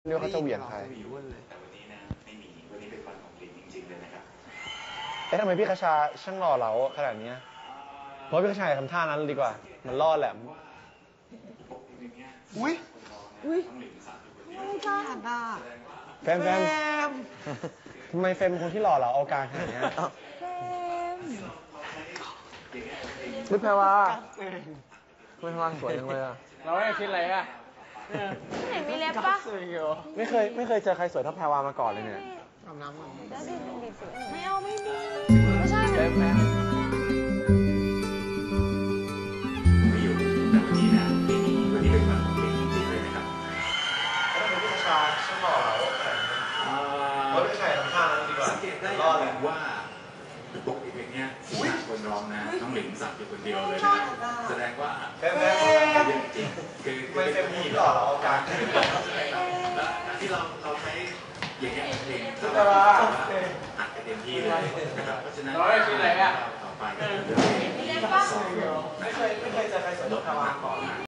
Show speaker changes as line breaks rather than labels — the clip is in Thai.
เรียกเขาจะเหวี่ยงใคร
แต่วันนี้นะไม่มีวันนี้เป็นวันของลิงจริงๆเลยนะครับ
ทำไมพี่คชาช่างหล่อเหลาขนาดนี้เพราะพี่คชาทำท่านั้นดีกว่ามันล่อแหลม
อุ้ยไม่กล้าด่า
แฟมทำไมเฟมเป็นคนที่หล่อเหลาเอาการขนาดนี้นี่แพรวาไม่แพรวาสวยจังเลยอะ
เราไม่คิดอะไรอ่ะ
ที่ไหนมีเล็บปะ
ไม่เคยเจอใครสวยเท่าแพรวามาก่อนเลยเนี่ย
อาบน้ำแล้วดิไม่เอาไม่มีไม่ใช่
แฟม
ไม่อยู่แต่วันนี้นะไม่มีวันนี้เป็นวันของลิงจริงๆเลยนะครับ
ทำไมพี่คชาช่างหล่อเหลาขนาดนี้เพราะพี่คชาทำท่านั้นดีกว่า
สังเกตได้ว่าปกติเพลงนี้คนร้องนะน้องหลิงสับอยู่คนเดียวเลยนะแสดงว่า
แฟม
จริงคือ
ไม่เฟมคนที่หล่อเหลาเอาการ
ที่เราใช้อย่างเงี้ยเพลงอัดกันเต็มที่เลยนะครับเพราะฉะนั้นต่อไป
ไม่เคยเจอใครสวยเท่าแพรวาก่อน